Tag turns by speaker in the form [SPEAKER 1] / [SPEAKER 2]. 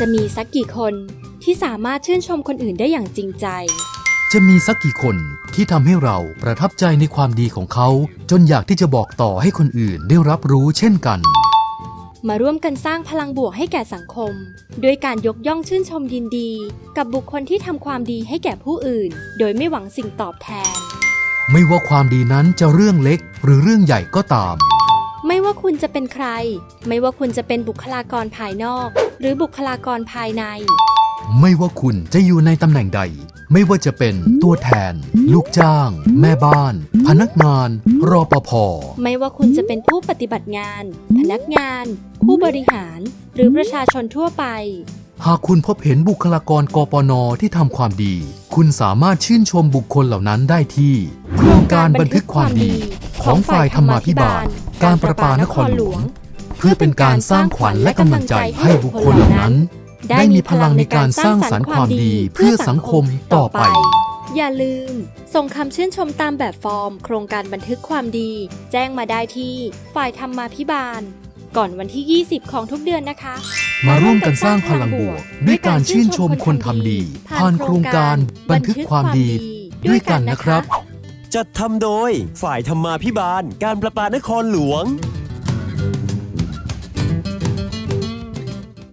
[SPEAKER 1] จะมีสักกี่คนที่สามารถชื่นชมคนอื่นได้อย่างจริงใจ
[SPEAKER 2] จะมีสักกี่คนที่ทำให้เราประทับใจในความดีของเขาจนอยากที่จะบอกต่อให้คนอื่นได้รับรู้เช่นกัน
[SPEAKER 1] มาร่วมกันสร้างพลังบวกให้แก่สังคมด้วยการยกย่องชื่นชมยินดีกับบุคคลที่ทำความดีให้แก่ผู้อื่นโดยไม่หวังสิ่งตอบแทน
[SPEAKER 2] ไม่ว่าความดีนั้นจะเรื่องเล็กหรือเรื่องใหญ่ก็ตาม
[SPEAKER 1] ไม่ว่าคุณจะเป็นใครไม่ว่าคุณจะเป็นบุคลากรภายนอกหรือบุคลากรภายใน
[SPEAKER 2] ไม่ว่าคุณจะอยู่ในตำแหน่งใดไม่ว่าจะเป็นตัวแทนลูกจ้างแม่บ้านพนักงานรปภ.
[SPEAKER 1] ไม่ว่าคุณจะเป็นผู้ปฏิบัติงานพนักงานผู้บริหารหรือประชาชนทั่วไป
[SPEAKER 2] หากคุณพบเห็นบุคลากรกปน.ที่ทำความดีคุณสามารถชื่นชมบุคคลเหล่านั้นได้ที่โครงการบันทึกความดีของฝ่ายธรรมาภิบาลการประปานครหลวงเพื่อเป็นการสร้างขวัญและกำลังใจให้บุคคลเหล่านั้นได้มีพลังในการสร้างสรรค์ความดีเพื่อสังคมต่อไป
[SPEAKER 1] อย่าลืมส่งคำชื่นชมตามแบบฟอร์มโครงการบันทึกความดีแจ้งมาได้ที่ฝ่ายธรรมาภิบาลก่อนวันที่20ของทุกเดือนนะคะ
[SPEAKER 2] มาร่วมกันสร้างพลังบวกด้วยการชื่นชมคนทำดีผ่านโครงการบันทึกความดีด้วยกันนะครับ
[SPEAKER 3] จัดทำโดยฝ่ายธรรมาภิบาลการประปานครหลวง